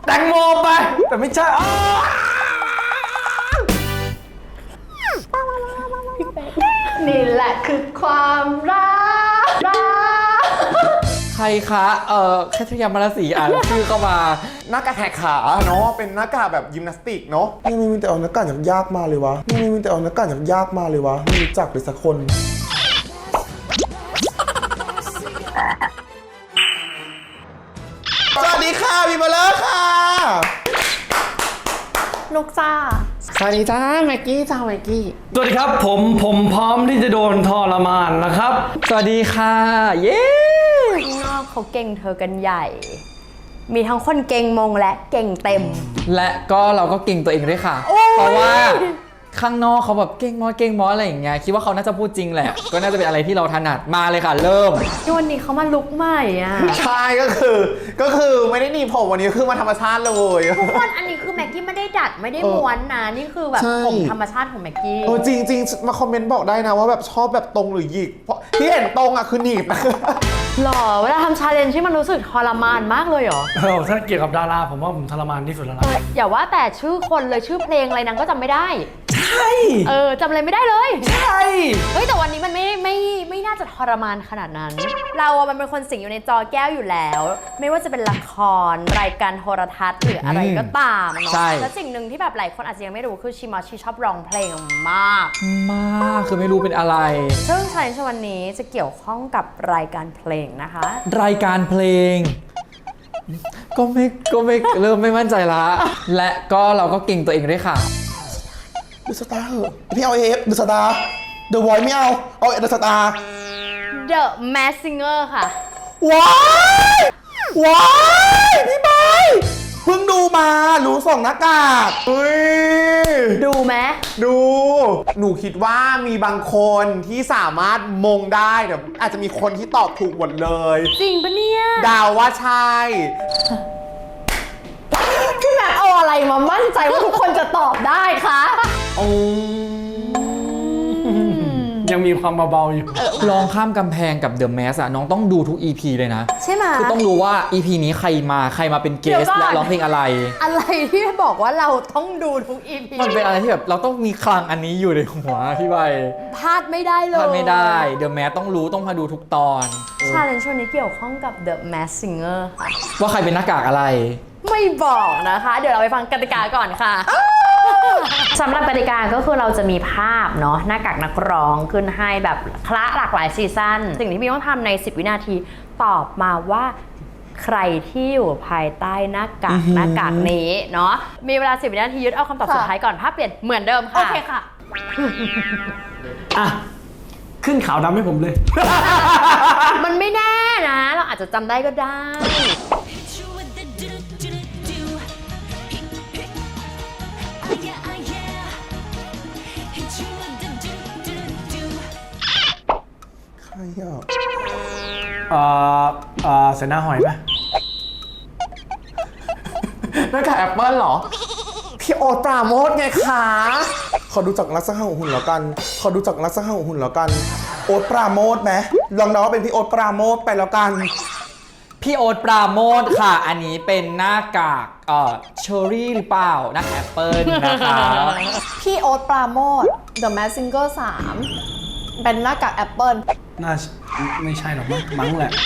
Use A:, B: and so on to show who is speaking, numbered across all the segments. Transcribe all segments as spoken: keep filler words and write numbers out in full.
A: ตงโมไปแต่ไม่ใช่อ๋อ
B: นี่แหละคือความรักรัก
A: ใครคะเอ่อแคทยามารสีอ่านชื่อเข้ามา
C: หน้ากากแหกขาเนาะเป็นหน้ากากแบบยิมนาสติกเนาะ
D: นี่มีแต่เอาหน้ากากยากๆมาเลยวะนี่มีแต่เอาหน้ากากยากๆมาเลยวะไม่รู้จักเลยสักคนสวัสดีค่ะพี่มาเลอร์ค่ะ
B: นุกจ้า
C: สวัสดีจ้าแม็กกี้จ้าแม็กกี้
A: สวัสดีครับผมผมพร้อมที่จะโดนทรมานนะครับสวัสดีค่ะเย้
B: ข้างนอกเขาเก่งเธอกันใหญ่ มีทั้งคนเก่งมงและเก่งเต็ม
A: และก็เราก็เก่งตัวเองด้วยค่ะเพราะว่าข้างนอกเขาแบบเก่งมอเก่งมออะไรอย่างเงี้ยคิดว่าเขาน่าจะพูดจริงแหละก็น่าจะเป็นอะไรที่เราถนัดมาเลยค่ะเริ่ม
B: วันนี้เขามาลุกใหม่อ่ะ
C: ใช่ก็คือก็คือไม่ได้หนีผมวันนี้คือมาธรรมชาติเลย
B: ทุกคนอันนี้คือแม็กกี้ไม่ได้ดัดไม่ได้ม้วนนะนี่คือแบบผมธรรมชาติของแม็กกี้
C: โอ้จริงจริงมาคอมเมนต์บอกได้นะว่าแบบชอบแบบตรงหรือหยิกเพราะที่เห็นตรงอ่ะคือหนีบนะ
B: หรอเวลาทำชาเลนจ์ที่มันรู้สึกทรมานมากเลยเหรอ
A: เออถ้าเกี่ยวกับดาราผมว่าผมทรมานที่สุดแล้วนะ
B: อย่าว่าแต่ชื่อคนเลยชื่อเพลงอะไรนางก็จำไม่ได้
A: ใช่
B: เออจำอะไรไม่ได้เลย
A: ใช่
B: เฮ้ยแต่วันนี้มันไม่ไม่ไม่น่าจะทรมานขนาดนั้นเราอะมันเป็นคนสิงอยู่ในจอแก้วอยู่แล้วไม่ว่าจะเป็นละครรายการโทรทัศน์หรืออะไรก็ตามเนาะแล้วสิ่งหนึ่งที่แบบหลายคนอาจจะยังไม่รู้คือชิมอชิชอบร้องเพลงมาก
A: มากคือไม่รู้เป็นอะไร
B: ซึ่งชาเลนจ์วันนี้จะเกี่ยวข้องกับรายการเพลงนะคะ
A: รายการเพลงก็ไม่ก็ไม่เริ่มไม่มั่นใจละและก็เราก็เก่งตัวเองด้วยค่ะ
D: ดูสตาร์เหอะพี่เอาเอฟดูสตาร์เดอะวอยไม่เอาเอาเดอะสตาร์
B: The Masked Singer ค่ะ
D: ว้ายว้ายพี่บอยเพิ่งดูมารู้สองหน้ากาก
C: เฮ้ย
B: ดูไหม
C: ดูหนูคิดว่ามีบางคนที่สามารถมงได้แต่อาจจะมีคนที่ตอบถูกหมดเลย
B: จริงปะเนี่ย
C: ดาวว่าใช่
B: พี่แม็กเอาอะไรมามั่นใจว่าทุกคนจะตอบได้คะ
A: โอ้ยังมีความเบาๆอยู่ลองข้ามกำแพงกับ The Mask อะน้องต้องดูทุก อี พี เลยนะ
B: ใช่ไหม
A: คือต้องรู้ว่า อี พี นี้ใครมาใครมาเป็นเกสและร้องเพลงอะไร
B: อะไรที่บอกว่าเราต้องดูทุก อี พี
A: มันเป็นอะไรที่แบบเราต้องมีคลังอันนี้อยู่ในหัวพี่ใบ
B: พลาดไม่ได้เลย
A: พลาดไม่ได้ The Mask ต้องรู้ต้องมาดูทุกตอน
B: ชาเลนจ์ช่วงนี้เกี่ยวข้องกับ The Masked Singer ค่ะ
A: ว่าใครเป็นหน้ากากอะไร
B: ไม่บอกนะคะเดี๋ยวเราไปฟังกติกาก่อนค่ะสำหรับกติกาก็คือเราจะมีภาพเนาะหน้ากากนักร้องขึ้นให้แบบคละหลากหลายซีซั่นสิ่งที่พี่ต้องทำในสิบวินาทีตอบมาว่าใครที่อยู่ภายใต้หน้ากากหน้ากากนี้เนาะมีเวลาสิบวินาทียึดเอาคำตอบสุดท้ายก่อนภาพเปลี่ยนเหมือนเดิมค่ะโอเคค่ะ
A: อ่ะขึ้นขาวดำให้ผมเลย
B: มันไม่แน่นะเราอาจจะจำได้ก็ได้
D: ใครอ่ะ
A: เอ่อเอ่อเสนาหอยป่ะ
C: หน้ากากแอปเปิ้ลเหรอพี่โอ๊ตปราโมทไงคะ
D: ขอดูจากลักษณะของหุ่นแล้วกันขอดูจากลักษณะของหุ่นแล้วกันโอ๊ตปราโมทไหมลองเดาว่าเป็นพี่โอ๊ตปราโมทไปแล้วกัน
A: พี่โอ๊ตปราโมทค่ะอันนี้เป็นหน้ากากเอ่อเชอร์รี่หรือเปล่าหน้ากากแอปเปิ้ลนะคะ
E: พี่โอ๊ตปราโมท The Masked Singer สามเป็นหน้ากากแอปเปิ้ล
A: น่าไม่ใช่หรอกมั้งแหละ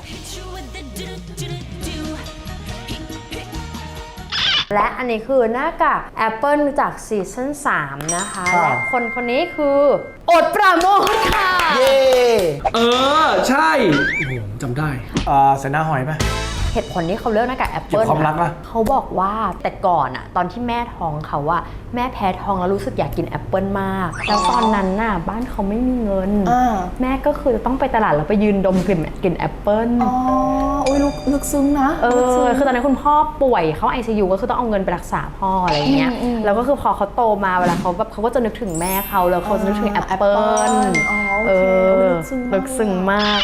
B: และอันนี้คือหน้ากากแอปเปิลจากซีซั่นสามนะคะและคนคนนี้คือโอ๊ตปราโมทค่ะ
D: เย่
A: เออใช่โอ้โหจำได้อ่าเสนาหอยป่ะ
B: เหตุผลที่เขาเลือกหน้ากากแอปเปิ้ลนะเขาบอกว่าแต่ก่อนอะตอนที่แม่ท้องเขาอะแม่แพ้ท้องแล้วรู้สึกอยากกินแอปเปิ้ลมากแล้วตอนนั้นน่ะบ้านเขาไม่มีเงินแม่ก็คือจะต้องไปตลาดแล้วไปยืนดมกลิ่นกลิ่นแอปเปิ้ล
E: อ๋อโอ้ยลึกซึ้งนะ
B: เออคือตอนนั้นคุณพ่อป่วยเขา ไอ ซี ยู ก็คือต้องเอาเงินไปรักษาพ่ออะไรเงี้ยแล้วก็คือพอเขาโตมาเวลาเขาแบบเขาก็จะนึกถึงแม่เขาแล้วเขาจะนึกถึงแอปเปิ้ลเออลึกซึ้งมาก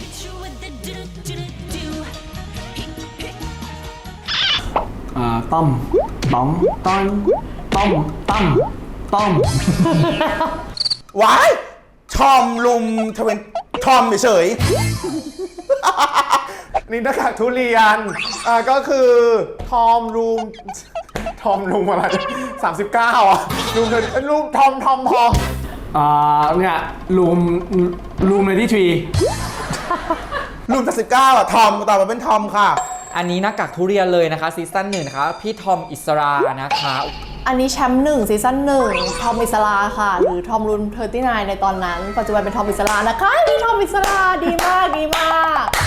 A: ต้อมต้อมต้อมต้อมต้อมต้อม
D: ว้ายทอมลุมทเวนทอมเฉย
C: นี่หน้ากากทุเรียนอ่าก็คือทอมรูมทอมรูมอะไรสามสิบเก้าอ่ะรูมเธอรูมทอมทอมทอม
F: อ่าเนี่ยรูมรูมในที่ทรี
D: รุ่นสิบเก้าอ่ะทอมตอบมาเป็นทอมค่ะ
A: อันนี้หน้ากากทุเรียนเลยนะคะซีซั่นหนึ่งนะคะพี่ทอมอิสรานะคะ
E: อันนี้แชมป์หนึ่งซีซั่นหนึ่งทอมอิสราค่ะ หรือทอมรุนเทอร์ตี้นในตอนนั้น ปัจจุบันเป็นทอมอิสรานะคะนี่ทอมอิสราดีมากดีมาก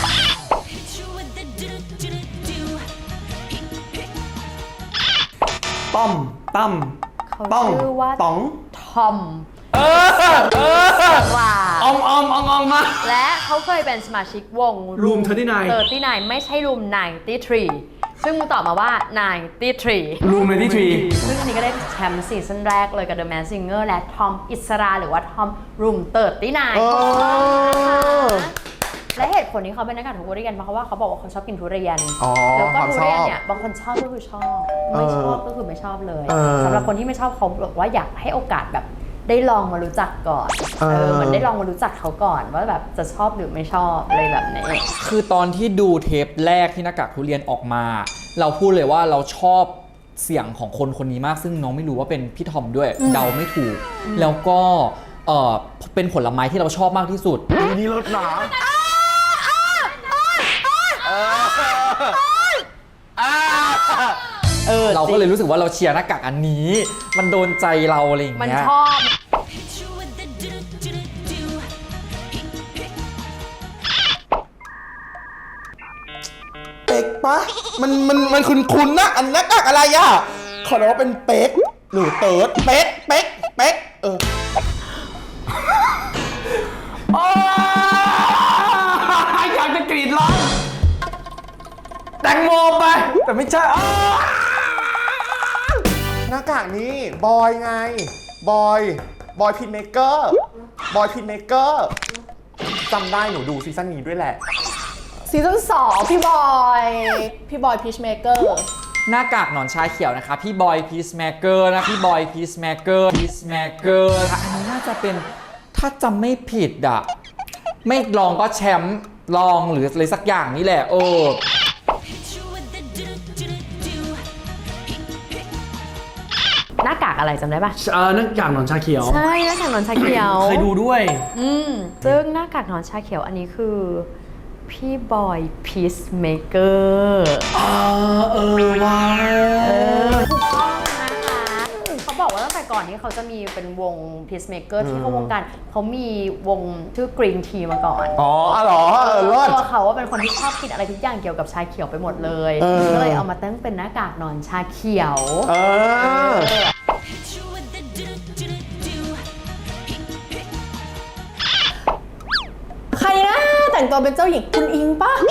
F: ต้อมตั้ม
B: เขา
F: ต้อง
B: ชื่อว่า
F: ต๋อง
B: ทอม
F: เออเออ
B: รา
F: อองอองอองอองมา
B: และเขาเคยเป็นสมาชิกวง
F: Room สามสิบเก้า
B: สามสิบเก้าไม่ใช่ Room ไนน์ทีทรี ซึ่งมึงตอบมาว่าไนน์ทีทรี
F: รูมในที่ทรี
B: ซึ่งอันนี้ก็ได้แชมป์ซีซั่นแรกเลยกับ The Masked Singer และทอมอิสราหรือว่าทอมรูมเติร์ดตี้นาย
C: เออ
B: และเหตุผลที่เขาเป็นนักการทุเรียนเพราะว่าเขาบอกว่าเขาชอบกินทุเรียน
C: อ๋อ
B: แล้วก็
C: ความ
B: ทุ
C: ชอบ
B: เรียนเนี่ยบางคนชอบก็คือชอบ ไม่ชอบก็คือไม่ชอบเลย
C: เออ
B: สำหรับคนที่ไม่ชอบเขาบอกว่าอยากให้โอกาสแบบได้ลองมารู้จักก่อน
C: เออ
B: เออเหมือนได้ลองมารู้จักเขาก่อนว่าแบบจะชอบหรือไม่ชอบอะไรแบบนี้
A: คือตอนที่ดูเทปแรกที่หน้ากากทุเรียนออกมา เราพูดเลยว่าเราชอบเสียงของคนคนนี้มากซึ่งน้องไม่รู้ว่าเป็นพี่ทอมด้วย เดาไม่ถูก แล้วก็เออเป็นผลไม้ที่เราชอบมากที่สุด
F: นี่รถหนา
B: เออ
A: เราก็เลยรู้สึกว่าเราเชียร์หน้ากากอันนี้ มันโดนใจเราอะไรอย่าง
B: มัน
A: เงี้ย
B: ชอบ
D: เป็กปะมันมันมันคุ้นคุ้นๆนะอันหน้ากากอะไรอ่ะขอเดาว่าเป็นเป็กหรือเติร์ดเป็กเป็กเป็กเออ
F: อยากจะกรีดร้องแตงโมไป แต่ไม่ใช่อ้า
C: หน้ากากนี้บอยไง บอย บอยพินเมเกอร์ บอยพินเมเกอร์จำได้หนูดูซีซั่นนี้ด้วยแหละ
E: ซีซั่นสองพี่บอย พี่บอยพีชเมเกอร์
A: หน้ากากหนอนชาเขียวนะคะพี่บอยพีซแมกเกอร์นะพี่บอยพีซแมกเกอร์พีซแมกเกอร์อันนี้น่าจะเป็นถ้าจำไม่ผิดอะไม่ลองก็แชมป์ลองหรืออะไรสักอย่างนี่แหละเออ
B: หน้ากากอะไรจำได้ปะ
F: เออนั่นอย่างหนอนชาเขียว
B: ใช่หน้ากากหนอนชาเขียว
F: เคยดูด้วย
B: อืมซึ่งหน้ากากหนอนชาเขียวอันนี้คือพี่บอยพีซเมเกอร์
F: เออเออว้า
B: ถูกต้องนะคะเขาบอกว่าตั้งแต่ก่อนที่เขาจะมีเป็นวง Peacemaker ที่เข้าวงการเขามีวงชื่อ Green Tea มาก่อน
C: อ๋ออ๋อเหรอเออเลิศ
B: ตัวเขาว่าเป็นคนที่ชอบกินอะไรทุกอย่างเกี่ยวกับชาเขียวไปหมดเลย
C: เออ
B: ก็เลยเอามาตั้งเป็นหน้ากากหนอนชาเขียว
C: เออ
E: ใครนะแต่งตัวเป็นเจ้าหญิงคุณอิงปะ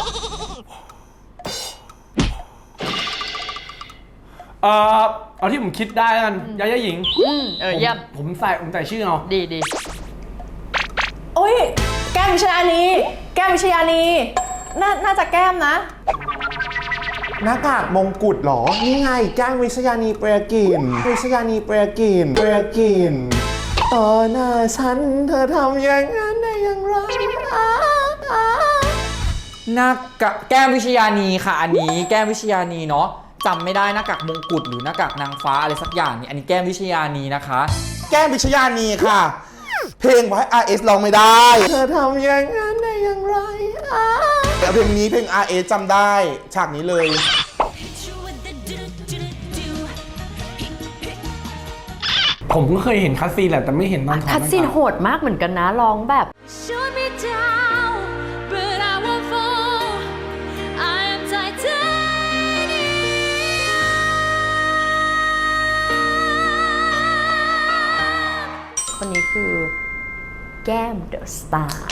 F: เออเอาที่ผมคิดได้แล้วกันยาย่าหญิง
B: อืมเออเยี่ยม
F: ผมผมใส่ผมใส่ชื่อเอา
B: ดีดี
E: โอ้ย แก้มวิชยานีแก้มวิชยานีน่าน่าจะแก้มนะ
C: หน้ากากมงกุฎเหรอ นี่ไงแก้งวิชยานีเปรียกินวิชยานีเปรียกินเปรียกินต่อหน้าฉันเธอทำอย่างนั้นได้อย่างไรอ้าอ้า
A: หน้ากากแก้มวิชยานีค่ะอันนี้แก้มวิชยานีเนาะจำไม่ได้หน้ากากมงกุฎหรือหน้ากากนางฟ้าอะไรสักอย่างนี่อันนี้แก้มวิชยานีนะคะ
D: แก้มวิชยานีค่ะ เพลงไว้ อาร์ เอส ร้องไม่ได้
C: เธอทำอย่างนั้นได้อย่างไรอ้า
D: แต่เพลงนี้เพลง อาร์ เอส จำได้ฉากนี้เลย
F: ผมก็เคยเห็นคัสซีนแหละแต่ไม่เห็นตอนถอดห
B: คั
F: น้า
B: ดซีน
F: กาก
B: โหดมากเหมือนกันนะร้องแบบ
G: Shoot me down, but I won't fall. I am titanium.
B: คนนี้คือแก้มเดอะสตาร์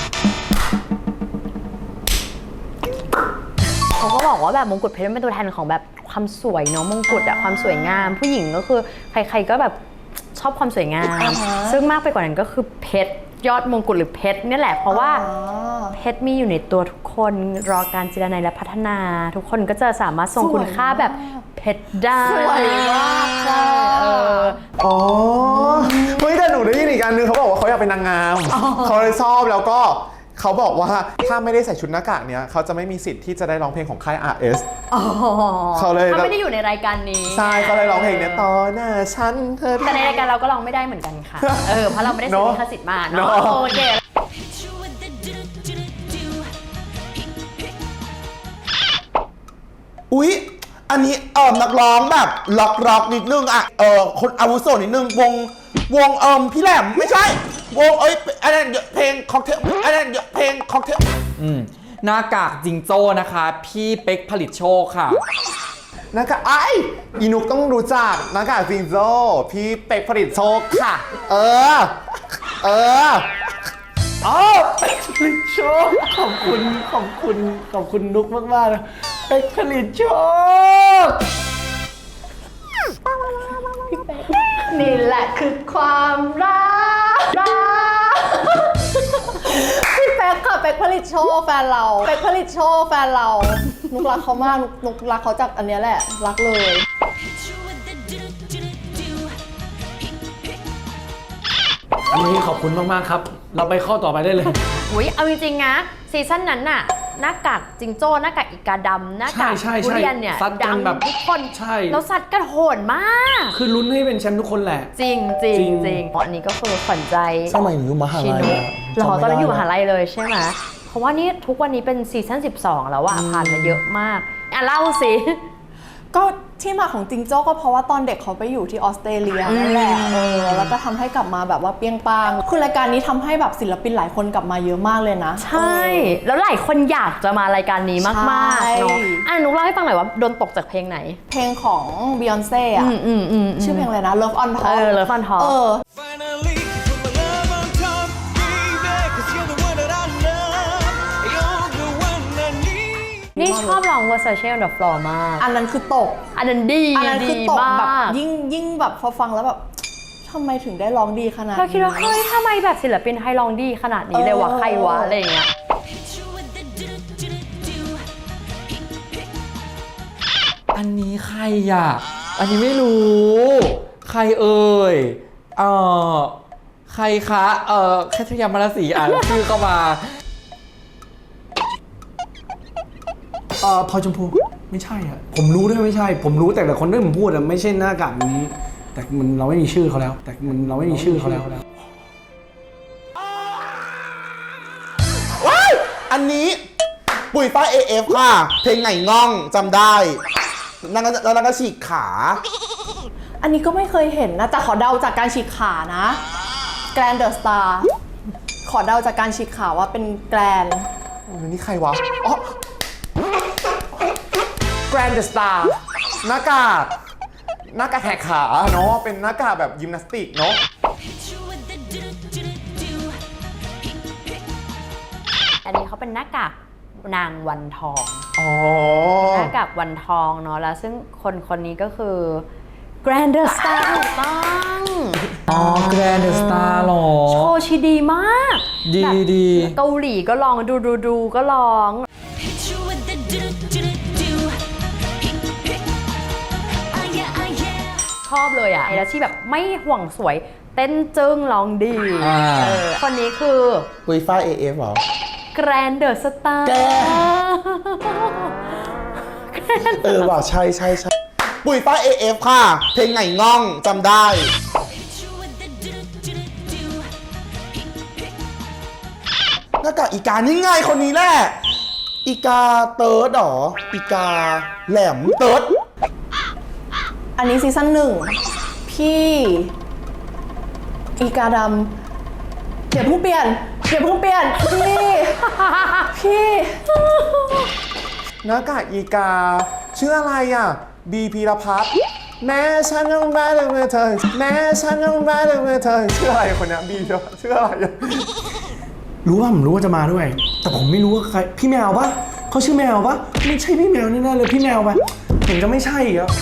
B: เขาก็บอกว่าแบบมงกุฎเพชรเป็นตัวแทนของแบบความสวยเนาะมงกุฎอะความสวยงาม ผู้หญิงก็คือใครๆก็แบบชอบความสวยงาม
E: อ่าฮะ
B: ซึ่งมากไปกว่านั้นก็คือเพชรยอดมงกุฎหรือเพชรเนี่ยแหละเพราะว่า
E: อ๋อ
B: เพชรมีอยู่ในตัวทุกคนรอการเจรไนและพัฒนา ทุกคนก็จะสามารถทรงคุณค่าแบบเพชรได้
E: สวยมากค่ะ
B: เออ
C: อ๋อเฮ้ยแต่หนูได้ยินอีกอันนึงเขาบอกว่าเขาอยากเป็นนางงามเขาเลยชอบแล้วก็เขาบอกว่าถ้าไม่ได้ใส่ชุดหน้ากากเนี้ยเขาจะไม่มีสิทธิ์ที่จะได้ร้องเพลงของค่าย อาร์ เอส
B: อ๋อ
C: เขาเลย
B: เขาไม่ได้อยู่ในรายการนี้
C: ใช่เขาเลยร้องเพลงเนี้ยต่อหน้าฉันเธอ
B: แต่ในรายการเราก็ร้องไม่ได้เหมือนกันค่ะ เออ เพราะเราไม่ได้ซื้อลิขสิทธิ์มาเนาะ
C: เนอะ
B: โอเค
G: Hit you with the do-do-do-do.
D: อุ๊ย อันนี้เออนักร้องแบบล็อกล็อกนิดนึงอะเออคนอาวุโสนิดนึงวงวงเอิมพี่แหลมไม่ใช่ วงเอ้ยอันนั้นเพลงค็อกเทลอันนั้นเพลงค็อกเทล
A: อืมหน้ากากจิงโจ้นะคะ พี่เป๊กผลิตโชคค่ะ
C: หน้ากากไอ้อีนุกต้องรู้จักหน้ากากจิงโจ้พี่เป็กผลิตโชคค่ะ เออ เออ
F: อ๋อเป็กผลิตโชคขอบคุณขอบคุณขอบคุณนุกมากๆนะเป็กผลิตโชค
E: นี่แหละคือความรักรักพี่เป๊กค่ะเป๊กผลิตโชว์แฟนเราเป๊กผลิตโชว์แฟนเรานุกรักเขามากนุกนุกรักเขาจากอันเนี้ยแหละรักเลย
G: Hit you with the do-do-do-do.
F: อันนี้ขอบคุณมากๆครับ เราไปข้อต่อไปได้เลย
B: อุ้ยเอาจริงๆนะซีซั่นนั้นน่ะหน้ากากจิงโจ้หน้ากากอีกาดำหน้ากาก
F: ใช่ใช่
B: ทุเรียนเนี่ย
F: ซัดกั
B: ดั
F: น
B: ง
F: แบบ
B: ทุกคน
F: ใช่
B: แล้วซัดกันโหดมาก
F: คือลุ้นให้เป็นแชมป์ทุกคนแหละ
B: จริงจริง
F: จริง
B: จริงอันนี้ก็คือขวัญใจ
D: สมัยหนูอยู่มหา
B: ชิ
D: ลัย
B: นุ
D: อะ
B: หรอ
D: จำไม่
B: ตอนนั้น
D: ได้
B: อยู่มหาลัยเลยใช่ไหมเพราะว่านี่ทุกวันนี้เป็นซีซั่นสิบสองแล้วอะผ่านมาเยอะมากอ่ะเล่าสิ
E: ก็ที่มาของจิงโจ้ก็เพราะว่าตอนเด็กเขาไปอยู่ที่ออสเตรเลียนั่นแหละเออแล้วก็ทำให้กลับมาแบบว่าเปรี้ยงปังคือรายการนี้ทำให้แบบศิลปินหลายคนกลับมาเยอะมากเลยนะ
B: ใช่ แล้วหลายคนอยากจะมารายการนี้มากๆเนาะ
E: ใช่
B: อ่ะนุกเล่าให้ฟังหน่อยว่าโดนตกจากเพลงไหน
E: เพลงของบียอนเซ่อะ
B: อืมอืมอืม
E: ชื่อเพลงอะไรนะ Love on Top
B: เออ Love on Top
E: เออ
H: Finally, put my love on top, baby, 'cause you're the one that I love. You're the one I need.
B: นี่ชอบร้อง Versace on the floor มาก
E: อันนั้นคือตก
B: อันนั้นดี
E: อันนั้นคือ
B: ดี
E: ตก
B: มา
E: แบบ
B: ก
E: ยิ่งยิ่งแบบพอฟังแล้วแบบทำไมถึงได้ร้องดีขนาด
B: เราคิดว่า
E: นี้
B: เฮ้ยทำไมแบบศิลปินไทยร้องดีขนาดนี้เลยวะ
E: เออ
B: ใครวะอะไรอย่างเงี้ย
G: Hit you with the do-do-do-do.
A: อันนี้ใครอ่ะ อันนี้ไม่รู้ ใครเอ่ย เอ่อ ใครคะ เอ่อแคทยามารสีอ่านชื่อเข้ามา
F: เอ่อพลอยชมพูไม่ใช่อ่ะผมรู้ด้วยไม่ใช่ ผมรู้แต่ละคนที่ผมพูดอะไม่ใช่หน้ากากนี้ แต่มันเราไม่มีชื่อเขาแล้ว แต่มันเราไม่มีชื่อเขาแล้ว
D: ว้ายอันนี้ปุ๋ยฝ้าย เอ เอฟ ค่ะ เพลงไงง่องจำได้นั่นก็แล้วนั่นก็ฉีกขา
E: อันนี้ก็ไม่เคยเห็นนะแต่ขอเดาจากการฉีกขานะ Grand The Star ขอเดาจากการฉีกขาว่าเป็นแกรน
C: โอ้ยนี่ใครวะ อ๋อ Grand The Star หน้ากากหน้ากากแหกขาเนาะเป็นหน้ากากแบบยิมนาสติกเนาะ
G: Hit you with the do-do-do-do.
B: อันนี้เขาเป็นหน้ากากนางวันทอง
C: อ๋อ
B: หน้ากากวันทองเนาะแล้วซึ่งคนคนนี้ก็คือ Grand The Star ถูกต้อง
A: อ๋อ Grand The Star หรอ
B: โชว์ชีดีมาก
A: ดี
B: แบบ
A: ดี
B: เกาหลีก็ลองดูดูดูก็ลอง
G: Hit you with the do-do-do-do. Ah, yeah, ah, yeah.
B: ชอบเลยอ่ะแล้วที่แบบไม่ห่วงสวยเต้นจึ้งร้องดี
A: อ่า
B: เออคนนี้คือ
D: ปุ๋ยฝ้าย เอ เอฟ เหรอ
B: Grand The Star
D: แก เออว่ะใช่ใช่ใช่ปุ๋ยฝ้าย เอ เอฟ ค่ะ เพลงไงง่องจำได้
G: Hit you with the do-do-do-do.
D: หน้ากากอีกานี่ไงคนนี้แหละ อีกาเติร์ดเหรอ อีกาแหลมเติร์ด
E: อันนี้ซีซั่นหนึ่งพี่อีกาดำเดี๋ยวเพิ่งเปลี่ยนเดี๋ยวเพิ่งเปลี่ยนพี่พี่
C: หน้ากากอีกา ชื่ออะไรอ่ะ บีพีรพัฒน์แม้ฉันต้องรักเมื่อเธอ แม้ฉันต้องรักเมื่อเธอ ชื่ออะไรคนเนี้ยบีพีรพัฒน์ชื่ออะไรอ่ะ
F: รู้ว่าผมรู้ว่าจะมาด้วย แต่ผมไม่รู้ว่าใครพี่แมวปะเขาชื่อแมวปะไม่ใช่พี่แมวแน่ๆเลยพี่แมวปะผมจะไม่ใช่อีกแล้ว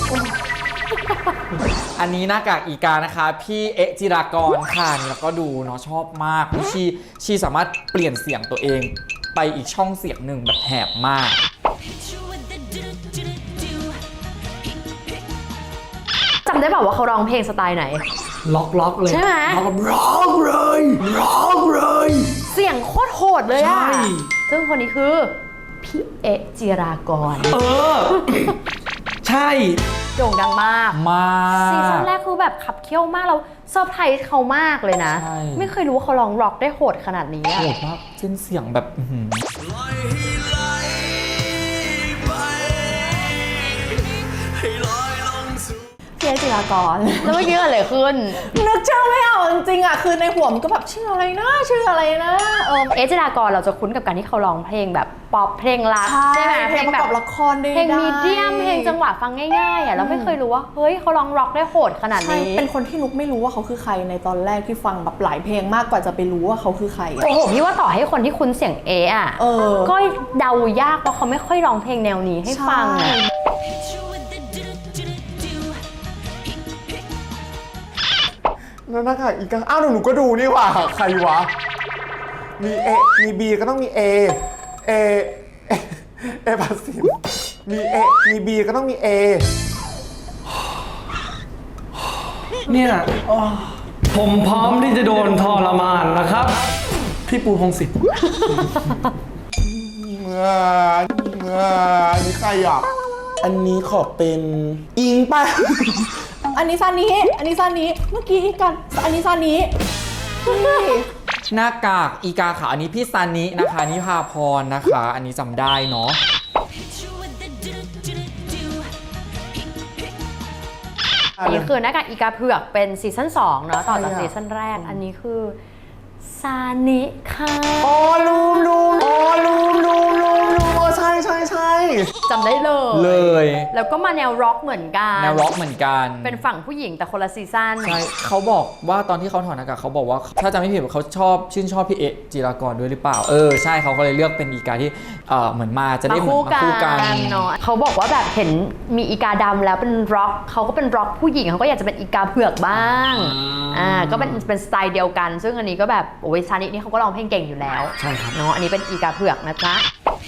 A: อันนี้หน้ากากอีกานะคะ พี่เอะจิรากรค่ะนี่แล้วก็ดูเนาะชอบมากชีชีสามารถเปลี่ยนเสียงตัวเองไปอีกช่องเสียงหนึ่งแบบแหบมาก
G: Hit you with the do-do-do-do.
B: จำได้เปล่าว่าเขาร้องเพลงสไตล์ไหน
F: ล็อกล็อกเลย
B: ใช่ไหม
F: ล็อกล็อกเลยล็อกเลย
B: เสียงสียงโคตรโหดเลยอะ
F: ใช่
B: ซึ่งคนนี้คือพี่เอะจิรากร
F: เออ ใช่
B: โด่งดังมาก
A: มาก
B: ซีซั่นแรกคือแบบขับเคี่ยวมากเราเซอร์ไพรส์เขามากเลยนะ
A: ใช่
B: ไม่เคยรู้ว่าเขาร้องร็อกได้โหดขนาดนี้อะ
A: โหดมากเส้นเสียงแบบอื้อหือ
B: พี่เอะจิรากร แล้วเมื่อกี้เกิดอะไรขึ้น
E: นึกชื่อไม่ออกจริงๆอ่ะคือในหัวมันก็แบบชื่ออะไรนะชื่ออะไรนะเออ
B: เอะจิรากรเราจะคุ้นกับการที่เขาร้องเพลงแบบป๊อปเพลงรักใช่ไหม
E: เพลงประกอบละครได้
B: เพลงมีเดียมเพลงจังหวะฟังง่ายๆอ่ะเราไม่เคยรู้ว่าเฮ้ยเขาร้องร็อกได้โหดขนาด
E: ใช่
B: นี้
E: เป็นคนที่นุกไม่รู้ว่าเขาคือใครในตอนแรกที่ฟังแบบหลายเพลงมากกว่าจะไปรู้ว่าเขาคือใครอะ
B: โอ้โหพี่ว่าต่อให้คนที่คุ้นเสียงเอะอ่ะ
E: เออ
B: ก็เดายากเพราะเขาไม่ค่อยร้องเพลงแนวนี้ให้ฟังอ่ะ
C: แล้วหน้ากากอีกาอ้าวหนูก็ดูนี่หว่าใครวะ มีเอมีบีก็ต้องมีเอเอเอเอพัสสิมมีเอมีบีก็ต้องมีเอ
F: เนี่ยอ๋อผมพร้อมที่จะโดนทรมานนะครับ พี่ปูพงศิษฐ์
C: เมื่อเมื่ออันนี้ใครอ่ะ
D: อันนี้ขอเป็นอิงป่ะ
E: อันนี้ซานี้อันนี้ซานี้เมื่อกี้กันอันนี้ซานี้พี่
A: หน้ากากอีกาค่ะอันนี้พี่ซานินะคะนิพาพรนะคะ อันนี้จำได้เนาะ
B: อันนี้คือหน้ากากอีกาเผือกเป็นซีซั่นสองเนาะต่อจาก
C: ใครอะ
B: ซีซั่นแรกอันนี้คือซานิค่ะ
C: อ๋อลูมลูมอ๋อลูมลูมลูมลูมอ๋อใช่ใช่ใช่
B: จำได้เลย
A: เลย
B: แล้วก็มาแนวร็อกเหมือนกัน
A: แนวร็อกเหมือนกัน
B: เป็นฝั่งผู้หญิงแต่คนละซีซั่น
A: ใช่เขาบอกว่าตอนที่เขาถอดหน้ากากเขาบอกว่าถ้าจำไม่ผิดเขาชอบชื่นชอบพี่เอะจิรากรด้วยหรือเปล่าเออใช่เขาก็เลยเลือกเป็นอีกาที่เออเหมือนมาจะได้
B: มา
A: เหมือน
B: คู่
A: มา
B: กัน
A: คู่กัน
B: เนาะเขาบอกว่าแบบเห็นมีอีกาดำแล้วเป็นร็อกเขาก็เป็นร็อกผู้หญิงเขาก็อยากจะเป็นอีกาเผือกบ้างอ่าก็เป็นเป็นสไตล์เดียวกัน ซึ่งอันนี้ก็แบบโอ้ยซานินี่เขาก็ร้องเพลงเก่งอยู่แล้ว
F: ใช่ครับ
B: เนาะอันนี้เป็นอีกาเผือกนะจ๊ะ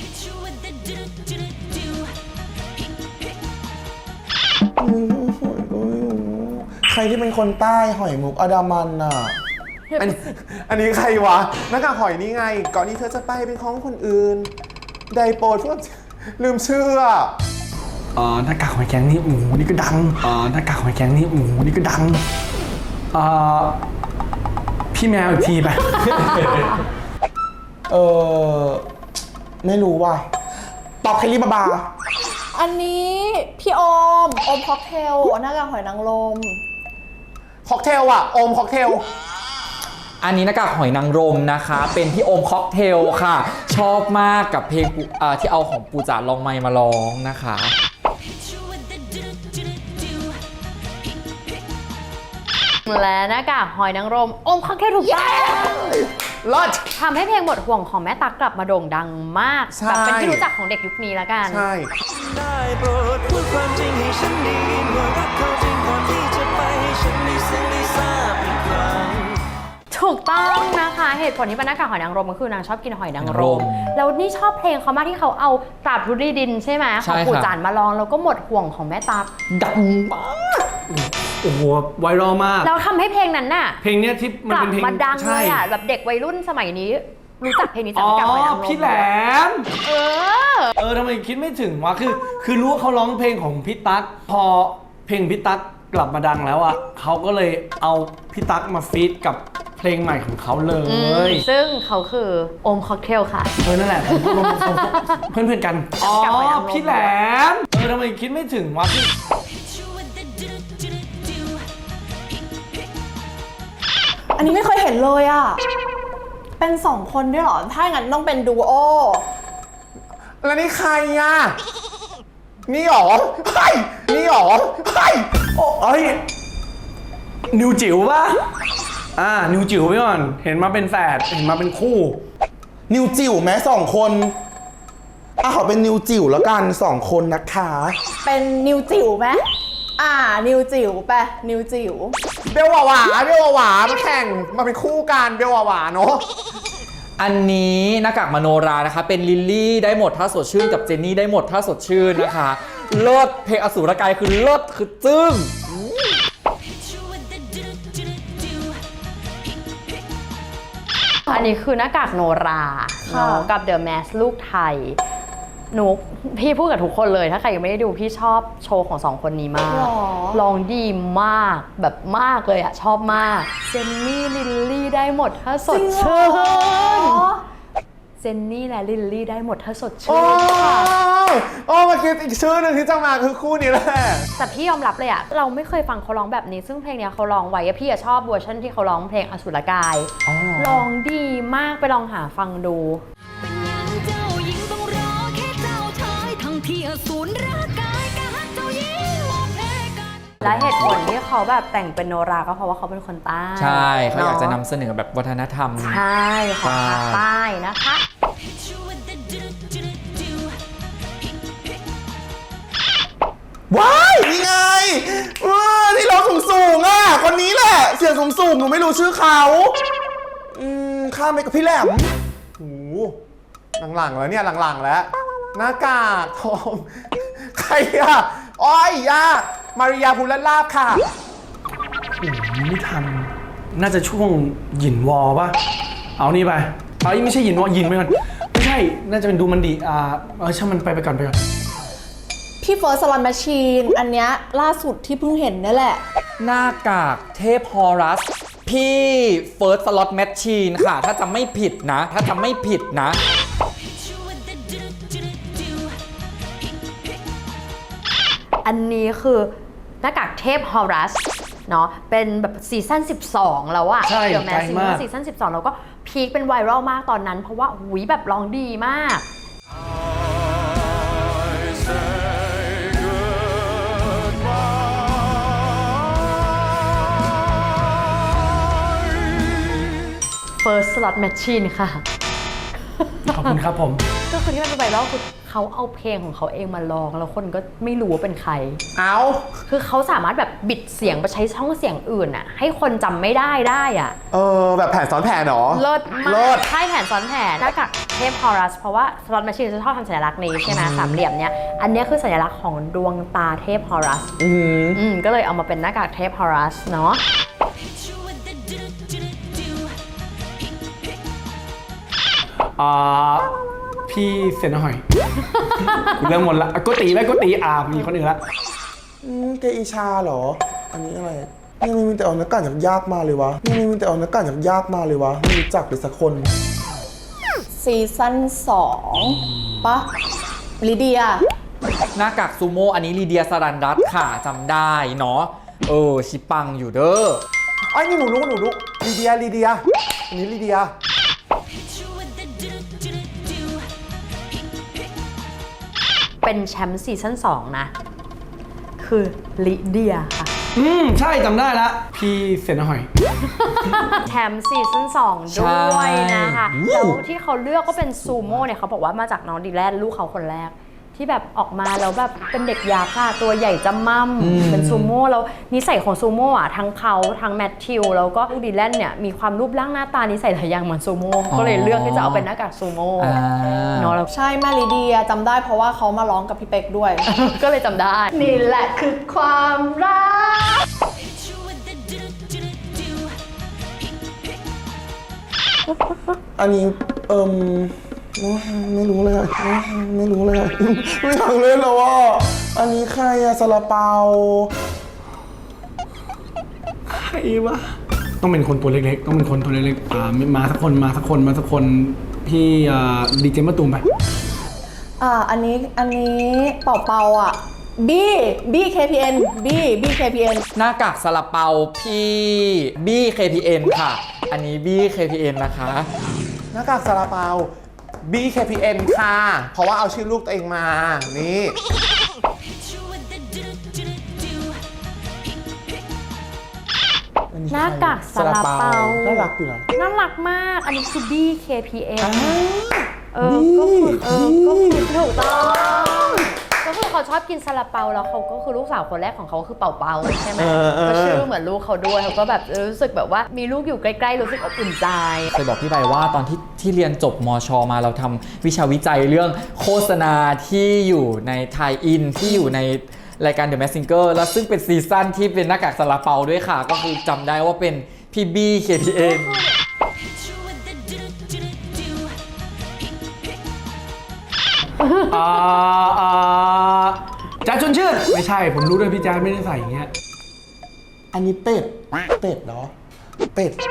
D: ใครที่เป็นคนใต้หอยมุกอดามันน่ะ
C: อันนี้อันนี้ใครวะหน้ากากหอยนี่ไง ก่อนที่เธอจะไปเป็นของคนอื่น ไดโปรดพวกลืมชื่ออะ
F: เอ่อหน้ากากหอยแครงนี่หมูนี่ก็ดังเอ่อหน้ากากหอยแครงนี่หมูนี่ก็ดังเอ่อพี่แมวอีกทีไป
D: เออไม่รู้ว่ะตอบเคลลี่บาบา
E: อันนี้พี่โอมโอมค็อกเทลหน้ากากหอยนางรม
C: ค็อกเทลอะโอมค็อกเทล
A: อันนี้หน้ากากหอยนางรมนะคะ เป็นพี่โอมค็อกเทลค่ะ ชอบมากกับเพลงปูอ่าที่เอาของปูจ๋าลองไมค์มาร้องนะคะ
B: และหน้ากากหอยนางรมอมค็อกเทลถูกต้อง
C: ลอด
B: ทำให้เพลงหมดห่วงของแม่ตั๊กกลับมาโด่งดังมาก
C: ใช่
B: แบบเป็นที่รู้จักของเด็กยุคนี้แล้วกัน
C: ใช่
H: ได้โปรดพูดความจริงให้ฉันได้ยินว่ารักเขาจริงก่อนที่จะไปให้ฉันได้ซึ้งได้ทราบอีกครั้ง
B: ถูกต้องนะคะเหตุผลที่เป็นหน้ากากหอยนางรมก็คือนางชอบกินหอยนางรม
A: รม
B: แล้วนี่ชอบเพลงเขามากที่เขาเอาตราบทุรีดินใช่ไหม
A: ใช่
B: ของปู่
A: ค่ะ
B: จานมาร้องแล้วก็หมดห่วงของแม่ตั๊ก
A: ดังมาก
F: โอ้โหไวรัลมาก
B: แล้วทำให้เพลงนั้นน่ะ
F: เพลงเนี้ยที่มัน
B: กลับ
F: เป็นเพลง
B: มาดังเล
F: ใช่
B: ยอ่ะแบบเด็กวัยรุ่นสมัยนี้รู้จักเพลงนี้จาก
F: อ๋อ
B: หน้ากากหอยนางรม
F: พี่แหลม
B: เออ
F: เออทำไมคิดไม่ถึงวะคือคือรู้ว่าเขาร้องเพลงของพี่ตั๊กพอเพลงพี่ตั๊กกลับมาดังแล้วอ่ะเขาก็เลยเอาพี่ตั๊กมาฟีดกับเพลงใหม่ของเขาเล
B: อืม
F: ย
B: ซึ่งเขาคือโอมค็อกเทลค่ะ
F: เออนั่นแหละผมรวมเพื่อนเพื่อนๆกันอ๋อก
B: ลับไปเอาลง
F: พี่แหลมเออทำไมคิดไม่ถึงวะคือ
E: อันนี้ไม่เคยเห็นเลยอ่ะ เป็นสองคนด้วยเหรอ ถ้างั้นต้องเป็นดูโอ
C: แล้วนี่ใครอะนี่หรอเฮ้ยนี่หรอเฮ้ย
F: โอ้เอ้ยนิวจิ๋วป่ะอ่านิวจิ๋วไปก่อนเห็นมาเป็นแฝดเห็นมาเป็นคู่
D: นิวจิ๋วแม้สองคนอ่ะขอเป็นนิวจิ๋วแล้วกันสองคนนะคะ
E: เป็นนิวจิ๋วไหมอ่า นิวจิ๋วไปนิวจิ๋ว
C: เบลหวาหวาเบลหวาหวามาแข่งมาเป็นคู่กันเบลหวาหวาเนาะ
A: อันนี้หน้ากากมโนรานะคะ เป็นลิลลี่ได้หมดถ้าสดชื่นกับเจนนี่ได้หมดถ้าสดชื่นนะคะเลิศเพลงอสูรกายคือเลิศคือจึ้ง
B: ออันนี้คือหน้ากากโนราเนาะกับเดอะแมสลูกไทยหนูพี่พูดกับทุกคนเลยถ้าใครยังไม่ได้ดูพี่ชอบโชว์ของสองคนนี้มาก
E: หรอ
B: ลองดีมากแบบมากเลยอะชอบมากเจนนี่ลิลลี่ได้หมดถ้าสดชื่นเจนนี่และลิลลี่ได้หมดถ้าสด
C: โอ้
B: ชื่นค่ะ
C: โอ้มาคิดอีกชื่อหนึ่งที่จะมาคือคู่นี้แหละ
B: แต่พี่ยอมรับเลยอะเราไม่เคยฟังเขาร้องแบบนี้ซึ่งเพลงเนี้ยเขาร้องไว้อะพี่อะชอบเวอร์ชันที่เขาร้องเพลงอสุรกายร้องดีมากไปลองหาฟังดู
G: เป็นยังเจ้าหญิงต้องรอแค่เจ้าชายทั้งที่อสูรร่างกายกะเจ้าหญิงหมดเพกัน
B: และเหตุผลที่เขาแบบแต่งเป็นโนราก็เพราะว่าเขาเป็นคนใต้
A: ใช่เขาอยากจะ
B: เน
A: นำเสนอแบบวัฒนธรรม
B: ใช่ของภาคใต้นะคะ
D: ว้ายนี่ไงเออที่ร้องสูงสูงๆอ่ะคนนี้แหละ เสียงสูงสูงๆหนูไม่รู้ชื่อเขาอืมข้ามไปกับพี่แหลม
C: โอ้โหหลังๆแล้วเนี่ยหลังๆแล้วหน้ากากทองใครอะอ้อยยามาริยาภูลลาภค่ะ
F: ไม่ทัน น่าจะช่วงหยินวอป่ะ เอานี่ไป เอาไม่ใช่หยินวอหยินไปก่อน ไม่ใช่ น่าจะเป็นดูมันดี อ่า เออช่างมันไปไปก่อนไปก่อน
E: พี่เฟิร์สสลันแมชชีนอันเนี้ยล่าสุดที่เพิ่งเห็นนี่แหละ
A: หน้ากากเทพฮอรัส พี่เฟิร์สสล็อตแมชชีนค่ะ ถ้าจำไม่ผิดนะ ถ้าจำไม่ผิดนะ
B: อันนี้คือหน้ากากเทพฮอรัสเนาะเป็นแบบซีซั่นสิบสองแล้วอะ
F: ใช่
B: เดี๋ยวแม้
F: ไกล
B: ซี
F: มาก
B: ซีซั่นสิบสองแล้วก็พีคเป็นไวรัลมากตอนนั้น เพราะว่าหุยแบบร้องดีมาก First Slot Machine ค่ะ
F: ขอบคุณครับผม
B: ก็คือที่มันเป็นไวรัลคือเขาเอาเพลงของเขาเองมาร้องแล้วคนก็ไม่รู้ว่าเป็นใคร
C: เอา
B: คือเขาสามารถแบบบิดเสียงไปใช้ช่องเสียงอื่นอะให้คนจำไม่ได้ได้อะ
C: เออแบบแผนซ้อนแผนเหรอ
B: เลิศมา
C: เลิ
B: ก
C: ศ
B: ใช่แผนซ้อนแผนหน้ากากเทพฮอรัสเพราะว่าสล็อตแมชชีนจะชอบทำสัญลักษณ์นี้ใช่ไหมสามเหลี่ยมเนี้ยอันเนี้ยคือสัญลักษณ์ของดวงตาเทพฮอรัส
C: อืม
B: อืมก็เลยเอามาเป็นหน้ากากเทพฮอรัสเนาะ
F: อ่า พี่เซนหอย เริ่มหมดละอ่ะโกตีไหมโกตีอ่ามีคนอื่นละ
D: อืมเกอิชาเหรอ อันนี้อะไรนี่มีแต่เอานักการจากยากมาเลยวะนี่มีแต่เอานักการจากยากมาเลยวะไม่รู้จักเลยสักคน
E: ซีซั่นสองปะลิเดีย
A: หน้ากากซูโม่อันนี้ลีเดียสรันรัตน์ค่ะจำได้เนาะเออชิปังอยู่เด้อ
C: ไอ้ยนี่หนูรู้หนูรู้ลีเดียลีเดียอันนี้ลีเดีย
B: เป็นแชมป์ซีซั่นสองนะ คือลิเดียค่ะ
F: อืม ใช่จำได้ละ พี่เซนหอย
B: แชมป์ซีซั่นสองด้วยนะคะแล้วที่เขาเลือกก็เป็นซูโม่เนี่ยเขาบอกว่ามาจากน้องดีแลนลูกเขาคนแรก ที่แบบออกมาแล้วแบบเป็นเด็กยักษ์อะตัวใหญ่จำม่ำเป็นซูโม่แล้วนิสัยของซูโม่อะทั้งเขาทั้งแมทธิวแล้วก็ลูกดีแลนเนี่ยมีความรูปร่างหน้าตานิสัยหลายอย่างเหมือนซูโม่ก็เลยเลือกที่จะเอาเป็นหน้ากากซูโม่
A: อ่า
B: เนาะแล้ว
E: ใช่แม่ลิเดียจำได้เพราะว่าเขามาร้องกับพี่เป็กด้วย
B: ก็เลยจำได้
E: นี่แหละคือความรัก
D: อันนี้เอิมไม่รู้เลยอะไม่รู้เลยอะไม่อยากเล่นแล้วอ่ะอันนี้ใครอะซาลาเปา
F: ใครวะ ต้องเป็นคนตัวเล็กๆ ต้องเป็นคนตัวเล็กๆ อ่า มาสักคน มาสักคน มาสักคน พี่อ่าดีเจมะตูมไป
E: อ่าอันนี้อันนี้เป่าเป่าอ่ะบี้บี้ เค พี เอ็น บี้บี้ เค พี เอ็น
A: หน้ากากซาลาเปาพี่บี้ เค พี เอ็น ค่ะ อันนี้บี้ เค พี เอ็น นะคะ
C: หน้ากากซาลาเปา บี เค พี เอ็น ค่ะ เพราะว่าเอาชื่อลูกตัวเองมา นี่
B: หน้ากากซาลาเปา
D: น่ารักอยู่นะ
B: น่ารักมาก อันนี้คือ บี เค พี เอ็น เออ ก็คือเออ ก็คือถูกต้อง ก็คือเขาชอบกินซาลาเปาแล้วเขาก็คือลูกสาวคนแรกของเขาคือเป่าเปาใช่ไหม
C: เออเออ
B: ก็ชื่อเหมือนลูกเขาด้วยเขาก็แบบรู้สึกแบบว่ามีลูกอยู่ใกล้ๆรู้สึกอบอุ่นใจ
A: เคยบอกพี่ใบว่าตอนที่ที่เรียนจบมชมาเราทำวิชาวิจัยเรื่องโฆษณาที่อยู่ในไทยอินที่อยู่ในรายการ The Masked Singer แล้วซึ่งเป็นซีซั่นที่เป็นหน้ากากซาลาเปาด้วยค่ะ ก็คือจำได้ว่าเป็นพี่บี้ เค พี เอ็น
F: อ่าอ่าแจ๊ดชวนชื่นไม่ใช่ผมรู้ด้วยพี่แจ๊ดไม่ได้ใส่อย่างเงี้ย
D: อันนี้เป็ด เป็ดเหรอ เป็ด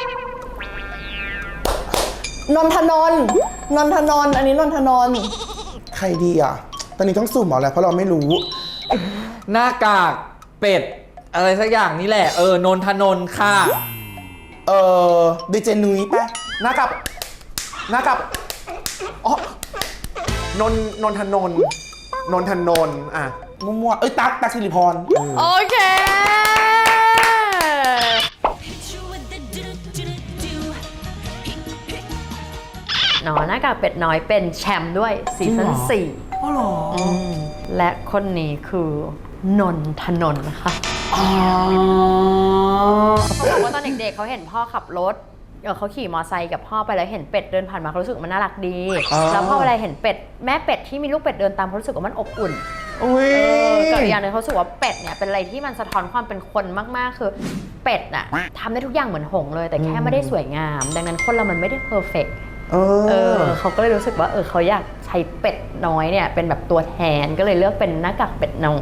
E: นนทนนท์นนทนนท์อันนี้นนทนนท์
D: ใครดีอ่ะ ตอนนี้ต้องสุ่มเอาแหละเพราะเราไม่รู้
A: หน้ากากเป็ด อะไรสักอย่างนี่แหละ เออนนทนนท์ค่ะ
D: เออดีเจนุ้ยปะ
C: หน้ากับหน้ากับอ๋อนนนนทนนท์นนทนนท์อ่ะ
D: มั่วๆเอ้ยตั๊กตั๊กสิริพร
B: โอเค เนาะหน้ากากเป็ดน้อยเป็นแชมป์ด้วยซีซั่นสี่
F: อ๋อเหรอ
B: อืมและคนนี้คือนนทนนท์ค่ะ
F: อ๋อ
B: เขาบอกว่าตอนเด็กๆเขาเห็นพ่อขับรถเออเขาขี่มอไซค์กับพ่อไปแล้วเห็นเป็ดเดินผ่านมาเขารู้สึกมันน่ารักดี แล้วพอเวลาเห็นเป็ดแม่เป็ดที่มีลูกเป็ดเดินตามเขารู้สึกว่ามันอบอุ่น
C: อุ้ย
B: เออกับอีกอย่างหนึงเขารู้สึกว่าเป็ดเนี่ยเป็นอะไรที่มันสะท้อนความเป็นคนมากๆ คือเป็ดน่ะทำได้ทุกอย่างเหมือนหงส์เลย แต่แค่ไม่ได้สวยงาม ดังนั้นคนเรามันไม่ได้เพอร์เฟกต์
C: เอ
B: เอ
C: อ
B: อเขาก็เลยรู้สึกว่าเออเขาอยากใช้เป็ดน้อยเนี่ยเป็นแบบตัวแทนก็เลยเลือกเป็นหน้ากากเป็ดน้อย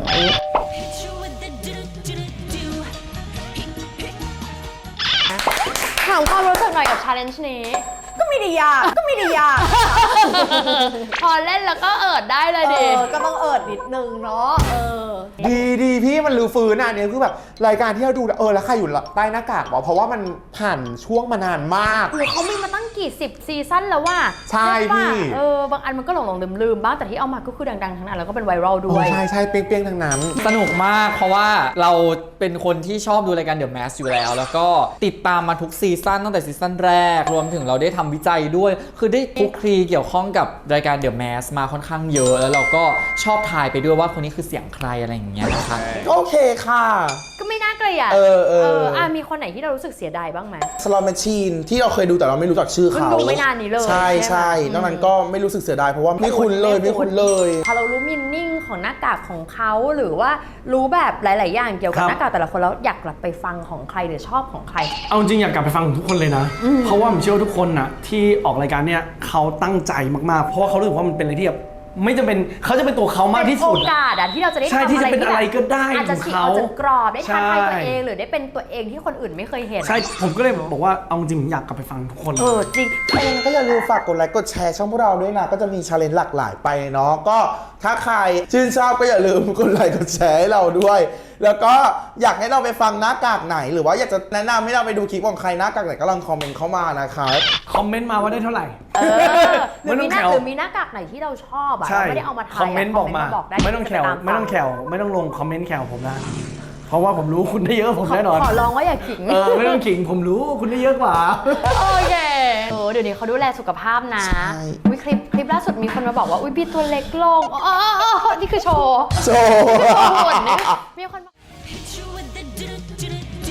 B: ถามความรู้สึกหน่อยกับ challenge นี้
E: ก็ไม่ได้ยากก็ไม่ได้ยาก
B: พอเล่นแล้วก็เอิดได้เลย
E: เอ
B: ดิ
E: อก็ต้องเอิดนิดนึงเนาะเออ
C: ดีดีพี่มันลือฟื้นอ่ะเนี่ยคือแบบรายการที่เราดูเออแล้วใครอยู่ใต้หน้ากากวะเพราะว่ามันผ่านช่วงมานานมาก
B: โอ้เขามีมาตั้งกี่สิบซีซั่นแล้วว่า
C: ใช่พี่
B: เออบางอันมันก็หลงหลงลืมลืมๆบ้างแต่ที่เอามาก็คือดังๆทั้งนั้นแล้วก็เป็นไวรัลด้
C: โอ้
B: วย
C: ใช่ใช่เปี้ยงเปี้ยงๆทั้งนั้น
A: สนุกมากเพราะว่าเราเป็นคนที่ชอบดูรายการ The Mask อยู่แล้ว แล้วก็ติดตามมาทุกซีซั่นตั้งแต่ซีซั่นแรก รวมถึงเราได้ทำวิจัยด้วย คือได้คลุกคลีเกี่ยวข้องกับรายการ The Mask มาค่อนข้างเยอะ แล้วเราก็ชอบทายไปด้วยว่าคนนี้คือเสียงใครอะไรอย่างเงี้ยนะคะ
D: โอเคค่ะ
B: ก็ไม่น่าเกลียด
D: เออเออ
B: อ่ะมีคนไหนที่เรารู้สึกเสียดายบ้างไหม
D: สลอตแมชชีนที่เราเคยดูแต่เราไม่รู้จักชื่อเขา
B: เพิ่งดูไม่นานนี้เลย
D: ใช่
B: ใช่
D: ใช่
B: ไหม
D: นอกนั้นก็ไม่รู้สึกเสียดายเพราะว่าไม่คุ้นเลยไม่คุ้นเลย
B: พอเรารู้มินนิ่งของหน้ากากของเขาหรือว่ารู้แบบหลาย ๆ อย่างเกี่ยวกับ
F: ครับ
B: หน้ากากแต่ละคนแล้วอยากกลับไปฟังของใครหรือชอบของใคร
F: เอาจริงอยากกลับไปฟังของทุกคนเลยนะ เพราะว่าผมเชื่อว่าทุกคนน่ะที่ออกรายการเนี่ยเขาตั้งใจมากๆ เพราะว่าเขารู้สึกว่ามันเป็นอะไรที่แบบไม่จำเป็นเขาจะเป็นตัวเขามากที่สุด
B: เป็นโอกาสอะที่เราจะได้
F: ใช่
B: ทำ
F: ที่
B: อะไร
F: จะเป็นอะไรก็ได้
B: อาจจะ
F: ของ
B: ฉีก
F: เขา
B: ออกจากกรอบได้ท้าทายตัว
F: ใช่
B: เองหรือได้เป็นตัวเองที่คนอื่นไม่เคยเห็น
F: ใช่ ผมก็เลยบอกว่าเอาจริงผมอยากกลับไปฟังทุกคนเล
B: เอย อจริง
D: ถ้าอย่างนั้นก็อย่าลืมฝากกดไลค์กดแชร์ช่องพวกเราด้วยนะ ก็จะมีชาเลนจ์หลากหลายไปเนาะก็ถ้าใครชื่นชอบก็อย่าลืมกดไลค์กดแชร์ให้เราด้วย แล้วก็อยากให้เราไปฟังหน้ากากไหน หรือว่าอยากจะแนะนำให้เราไปดูคลิปของใครหน้ากากไหนก็ลองคอมเมนต์เข้ามานะครับ
F: คอมเมนต์มาว่าได้เท่าไหร่
B: เออหรือ
F: ไม่ต้
B: มี
F: อง
B: หน้า
F: แถว
B: หรือมีหน้ากากไหนที่เราชอบอะ
F: ใช่
B: เราไม่ได้เอามาทาย
F: คอมเมนต์บอกมา
B: บอกได้
F: ไม่ต้องแขว
B: จะปา
F: ไม่ต้องแขวไม่ต้องลงคอมเมนต์แขวผมนะ เพราะว่าผมรู้คุณได้เยอะกว่าผมแน่นอน
B: ขอลองว่าอย่าขิง
F: เออไม่ต้องขิงผมรู้คุณได้เยอะกว่า
B: โอเคเออเดี๋ยวนี้เขาดูแลสุขภาพนะ
D: ใช่
B: อุ้ยคลิปคลิปล่าสุดมีคนมาบอกว่าอุ้ยพี่ตัวเล็กลงอ๋ออ๋ออ๋อนี่คือโชว์
D: โชว์
B: โชว์หุ่นนี่มีคนบอก